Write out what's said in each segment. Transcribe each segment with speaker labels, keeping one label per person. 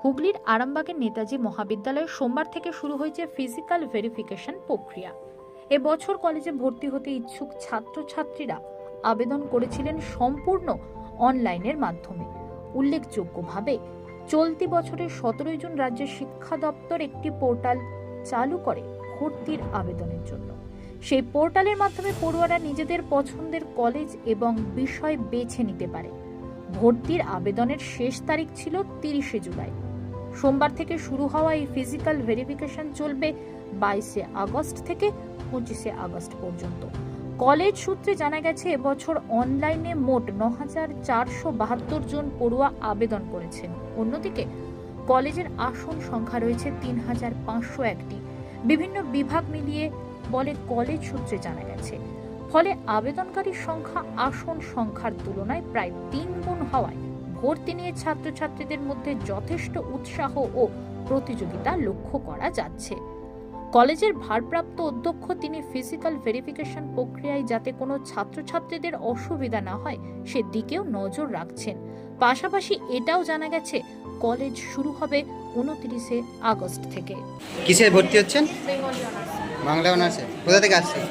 Speaker 1: হুগলির আরামবাগের নেতাজি মহাবিদ্যালয়ে সোমবার থেকে শুরু হয়েছে ফিজিক্যাল ভেরিফিকেশন প্রক্রিয়া। এবছর কলেজে ভর্তি হতে ইচ্ছুক ছাত্রছাত্রীরা আবেদন করেছিলেন সম্পূর্ণ অনলাইনের মাধ্যমে। উল্লেখযোগ্যভাবে চলতি বছরের 17 জুন রাজ্যের শিক্ষা দপ্তর একটি পোর্টাল চালু করে ভর্তির আবেদনের জন্য। সেই পোর্টালের মাধ্যমে পড়ুয়ারা নিজেদের পছন্দের কলেজ এবং বিষয় বেছে নিতে পারে। ভর্তির আবেদনের শেষ তারিখ ছিল 30শে জুলাই। সোমবার থেকে শুরু হওয়া এই ফিজিক্যাল ভেরিফিকেশন চলবে 22শে আগস্ট থেকে 25শে আগস্ট পর্যন্ত। কলেজ সূত্রে জানা গেছে, এবছর অনলাইনে মোট 9,472 জন পড়ুয়া আবেদন করেছেন। অন্যদিকে কলেজের আসন সংখ্যা রয়েছে 3,501টি। বিভিন্ন বিভাগ মিলিয়ে বলে কলেজ সূত্রে জানা গেছে। ফলে আবেদনকারীর সংখ্যা আসন সংখ্যার তুলনায় প্রায় 3 গুণ হওয়ায় ভর্তি নিয়ে ছাত্রছাত্রীদের মধ্যে যথেষ্ট উৎসাহ ও প্রতিযোগিতা লক্ষ্য করা যাচ্ছে। কলেজের ভারপ্রাপ্ত অধ্যক্ষ তিনি ফিজিক্যাল ভেরিফিকেশন প্রক্রিয়ায় যাতে কোনো ছাত্রছাত্রীদের অসুবিধা না হয় সেদিকেও নজর রাখছেন। পাশাপাশি এটাও জানা গেছে, কলেজ শুরু হবে 29শে আগস্ট থেকে।
Speaker 2: কিসে ভর্তি হচ্ছেন? বাংলা অনার্সে। কোথা থেকে আসছেন?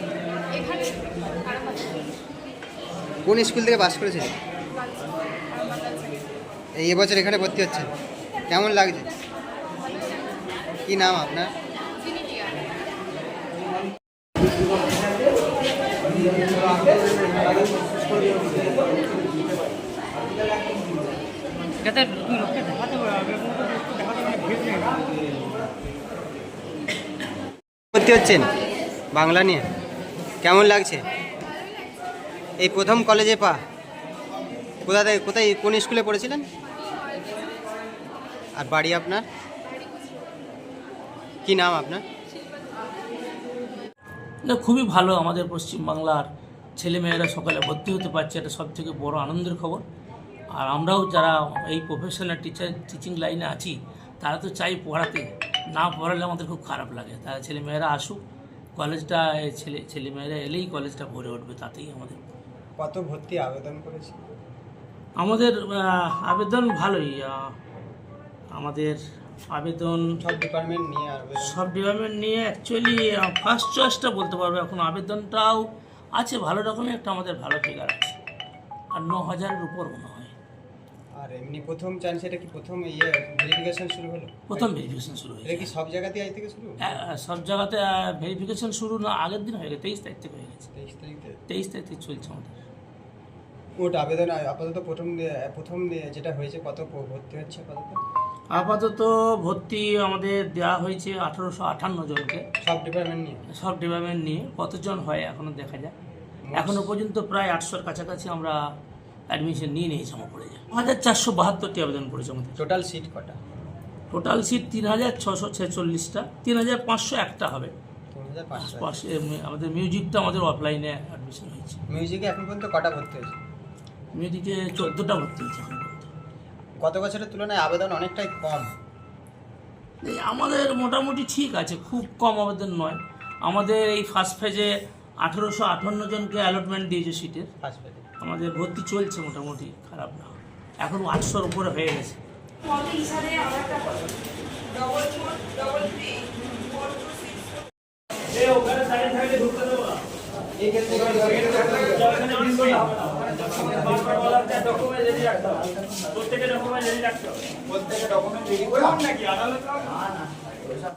Speaker 2: কোন স্কুল থেকে পাস করেছেন? এই এবছর এখানে ভর্তি হচ্ছেন, কেমন লাগছে? কি নাম আপনার? ভর্তি হচ্ছেন বাংলা নিয়ে, কেমন লাগছে? এই প্রথম কলেজে কোথায় কোন স্কুলে পড়েছিলেন? আর বাড়ি আপনার? কি নাম আপনার?
Speaker 3: না, খুবই ভালো। আমাদের পশ্চিমবাংলার ছেলেমেয়েরা সকালে ভর্তি হতে পারছে, এটা সব থেকে বড় আনন্দের খবর। আর আমরাও যারা এই প্রফেশনাল টিচিং লাইনে আছি, তারা তো চাই পড়াতে, না পড়ালে আমাদের খুব খারাপ লাগে। তারা ছেলেমেয়েরা আসুক, কলেজটা ছেলেমেয়েরা এলেই কলেজটা ভরে উঠবে, তাতেই আমাদের।
Speaker 2: কত ভর্তি আবেদন করেছে?
Speaker 3: আমাদের আবেদন ভালোই। আমাদের আবেদন
Speaker 2: সব ডিপার্টমেন্ট নিয়ে
Speaker 3: অ্যাকচুয়ালি ফার্স্ট চয়েসটা বলতে পারবো। এখন আবেদনটাও আছে ভালো রকমের, একটা আমাদের ভালো ফিগার আছে, আর 9,000-এর উপর মনে হয়।
Speaker 2: আর এমনি প্রথম চান্স, এটা কি প্রথম ভেরিফিকেশন শুরু হলো?
Speaker 3: প্রথম ভেরিফিকেশন শুরু হয়েছে।
Speaker 2: এটা কি সব জায়গাতে আজ থেকে শুরু?
Speaker 3: সব জায়গাতে ভেরিফিকেশন শুরু না, আগের দিন হয়ে গেছে, 23 তারিখ থেকে হয়ে গেছে। 23 তারিখ থেকে চলছে আমাদের।
Speaker 2: ওটা আবেদন আপাতত প্রথম যেটা হয়েছে, কত ভর্তি হচ্ছে আপাতত?
Speaker 3: আপাতত ভর্তি আমাদের দেওয়া হয়েছে 1858 জনকে, সব ডিপার্টমেন্ট নিয়ে। কতজন হয় এখনো দেখা যায়। এখনো পর্যন্ত প্রায় 800-এর কাছাকাছি আমরা অ্যাডমিশন নিয়ে নিয়েছি। আমার পড়ে যায় 1472টি আবেদন করেছে আমাদের।
Speaker 2: টোটাল সিট কটা?
Speaker 3: টোটাল সিট 3,646টা, 3,501টা হবে। আমাদের মিউজিকটা আমাদের অফলাইনে অ্যাডমিশন হয়েছে।
Speaker 2: মিউজিকে এখন পর্যন্ত কটা ভর্তি হয়েছে?
Speaker 3: মিউজিকে 14টা ভর্তি হয়েছে এখন পর্যন্ত।
Speaker 2: গত বছরের তুলনায় আবেদন অনেকটাই কম।
Speaker 3: আমাদের মোটামুটি ঠিক আছে, খুব কম আবেদন নয়। আমাদের এই ফার্স্ট ফেজে 1858 জনকে অ্যালটমেন্ট দিয়েছে সিটের। আমাদের ভর্তি চলছে মোটামুটি, খারাপ না। এখন 800-এর উপরে হয়ে গেছে।
Speaker 4: প্রত্যেকে ডকুমেন্ট রেডি রাখতে হবে।